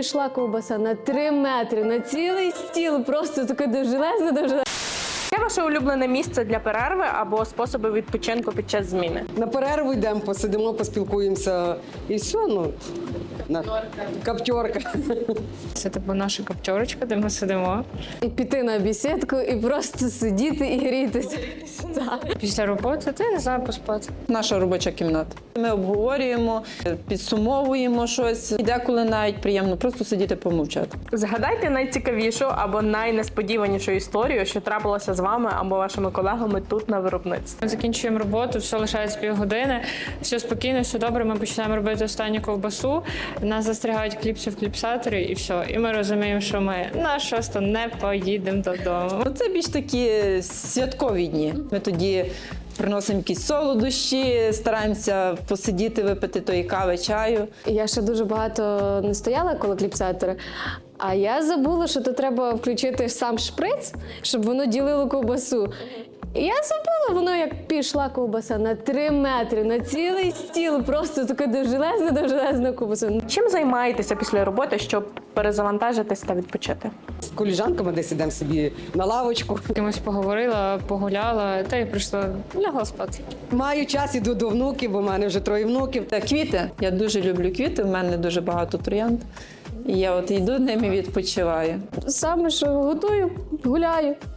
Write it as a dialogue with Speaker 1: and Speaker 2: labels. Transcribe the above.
Speaker 1: пішла ковбаса на 3 метри, на цілий стіл, просто таке довжелезне.
Speaker 2: Яке ваше улюблене місце для перерви або способи відпочинку під час зміни?
Speaker 3: На перерву йдемо, посидимо, поспілкуємося і все. Каптерка.
Speaker 4: Це типу наша каптерочка, де ми сидимо.
Speaker 1: І піти на бесідку, і просто сидіти і грітися.
Speaker 4: Після роботи ти не знаю поспати.
Speaker 5: Наша робоча кімната. Ми обговорюємо, підсумовуємо щось. І деколи навіть приємно просто сидіти помовчати.
Speaker 2: Згадайте найцікавішу або найнесподіванішу історію, що трапилося з вами або вашими колегами тут на виробництві.
Speaker 4: Ми закінчуємо роботу, все лишається півгодини, все спокійно, все добре, ми починаємо робити останню ковбасу, нас застрягають кліпси в кліпсаторі і все. І ми розуміємо, що ми на 6 не поїдемо додому.
Speaker 5: Це більш такі святкові дні. Ми тоді приносимо якісь солодощі, стараємося посидіти, випити тої кави, чаю.
Speaker 1: Я ще дуже багато не стояла коло кліпсатора, а я забула, що то треба включити сам шприц, щоб воно ділило ковбасу. І я забула, воно як пішла ковбаса на 3 метри, на цілий стіл, просто таке довжелезне ковбаса.
Speaker 2: Чим займаєтеся після роботи, щоб перезавантажитись та відпочити?
Speaker 3: З коліжанками десь ідемо собі на лавочку.
Speaker 4: З кимось поговорила, погуляла, та й прийшла, лягла спати.
Speaker 3: Маю час, іду до внуків, бо в мене вже 3 внуків.
Speaker 5: Квіти. Я дуже люблю квіти, в мене дуже багато троянд. І я от йду ними відпочиваю.
Speaker 1: Саме, що готую, гуляю.